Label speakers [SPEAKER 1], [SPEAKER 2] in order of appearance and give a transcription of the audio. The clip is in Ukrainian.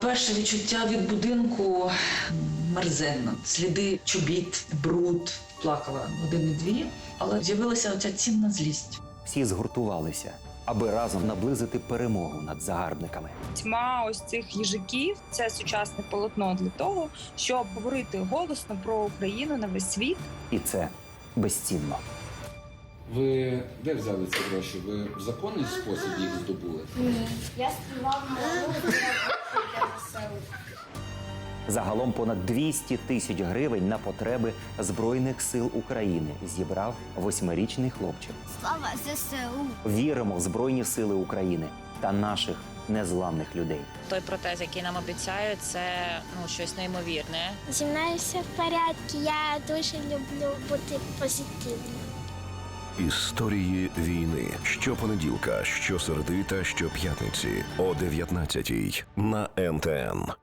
[SPEAKER 1] Перше відчуття від будинку мерзенно. Сліди чобіт, бруд. Плакала години-дві, але з'явилася оця цінна злість.
[SPEAKER 2] Всі згуртувалися, аби разом наблизити перемогу над загарбниками.
[SPEAKER 3] Тьма ось цих їжаків – це сучасне полотно для того, щоб говорити голосно про Україну на весь світ.
[SPEAKER 2] І це безцінно.
[SPEAKER 4] Ви де взяли ці гроші? Ви в законний спосіб їх здобули?
[SPEAKER 5] Ні, я співав малу для ЗСУ.
[SPEAKER 2] Загалом понад 200 тисяч гривень на потреби Збройних сил України зібрав 8-річний хлопчик.
[SPEAKER 5] Слава ЗСУ!
[SPEAKER 2] Віримо в Збройні сили України та наших незламних людей.
[SPEAKER 6] Той протез, який нам обіцяють, це щось неймовірне.
[SPEAKER 5] Зі мною все в порядку, я дуже люблю бути позитивною.
[SPEAKER 7] Історії війни. Щопонеділка, щосереди та щоп'ятниці о 19-й на НТН.